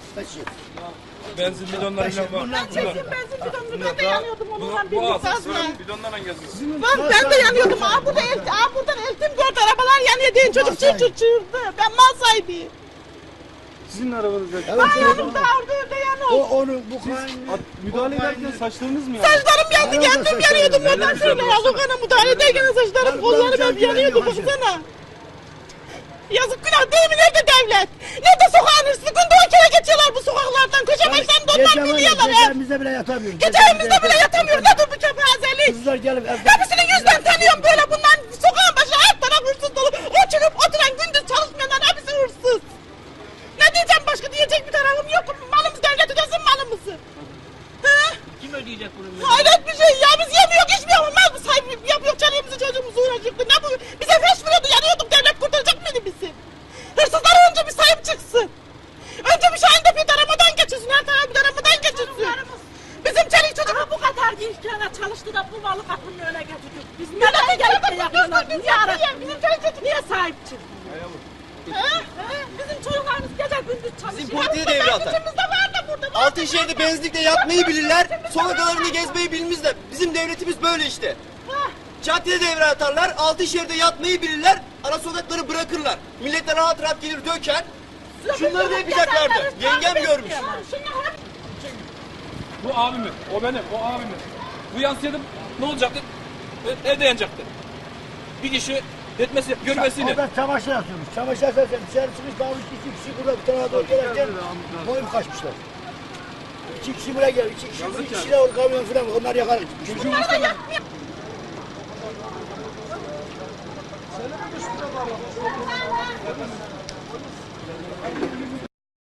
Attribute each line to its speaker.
Speaker 1: Taşı.
Speaker 2: Benzin bidonlarıyla var.
Speaker 3: Ben çektim benzin bidonunu. Ben de yanıyordum onunla
Speaker 2: Bu
Speaker 3: birlikte.
Speaker 2: asıl bidonlarla geziyorsun.
Speaker 3: Bak ben de yanıyordum. Buradan eltim gördü. Arabalar yanıyor diye çocuk çığırdı. Ben mal sahibiyim.
Speaker 2: Sizin arabanızda.
Speaker 3: Ayağım da orada evde yanıyor.
Speaker 1: Onu bu
Speaker 2: Müdahale ederken saçlarınız mı yandı?
Speaker 3: Saçlarım yandı, kendim yanıyordum oradan şöyle yazık ana müdahale ederken saçlarım, kollarım hep yanıyordu baksana. Yazık günah değil mi? Nerede devlet? Nerede sokağın hırsızı? Günde 10 kere geçiyorlar bu sokaklardan. Köşe başlarında onlar biliyorlar.
Speaker 1: Gece evimizde bile yatamıyoruz.
Speaker 3: Gece evimizde bile yatamıyoruz. Nedir bu kepazelik?
Speaker 1: Kızlar gelip evde.
Speaker 3: Hepsini yüzden tanıyorum böyle bunlar. Sokağın başı her taraf hırsız dolu. O çıkıp oturan gündüz çalışmayanlar hepsi hırsız. Ne diyeceğim başka diyecek bir tarafım yok. Malımız devlet ödesin malımızı.
Speaker 4: Kim ödeyecek bunu?
Speaker 3: Hayret bir şey ya, biz yemiyoruz içmiyoruz, mal mı sahibi yapıyor, çalıyorumuzu çocuğumuzu uğraşıyordu. Ne bu? Bize feş veriyordu, yanıyorduk, devlet kurtaracak mıydı bizi? Hırsızlara önce bir sahip çıksın. Önce bir Şahin'de bir daramadan geçirsin, her tarafa bir daramadan geçirsin. Bizim çelik çocuk...
Speaker 4: Ama bu kadar gençlere çalıştı da bu malı kapının önüne getirdik. Biz neden gelip de yapıyorlar? Niye araştırdık?
Speaker 3: Bizim çelik çocuk
Speaker 4: Niye sahip çıktı?
Speaker 3: Bizim çocuklarımız gece gündüz çalışıyor.
Speaker 5: Bizim politiği devre atar.
Speaker 3: İçimizde var da burada.
Speaker 5: Altınşehir'de benzinlikte yatmayı bilirler, sokaklarını gezmeyi bilmezler. Bizim devletimiz böyle işte. Caddede devre atarlar, Altınşehir'de yatmayı bilirler, ara sokakları bırakırlar. Millet de rahat rahat gelir döker. Şunları da yapacaklardı. Yengem görmüş.
Speaker 2: Bu abimin, o benim, o abimin. Bu yansıyordum, ne olacaktı? Evde yanacaktı. Bir kişi etmesi, görmesini.
Speaker 1: Orada çamaşır atıyormuş. Çamaşır atarken dışarı çıkmış kalmış 2 kişi burada bir tarafa doğru gelirken boyum kaçmışlar. 2 kişi buraya geldi. 2 kişi de o kamyon falan onlar yakar.
Speaker 3: Bunlar da yapmıyor.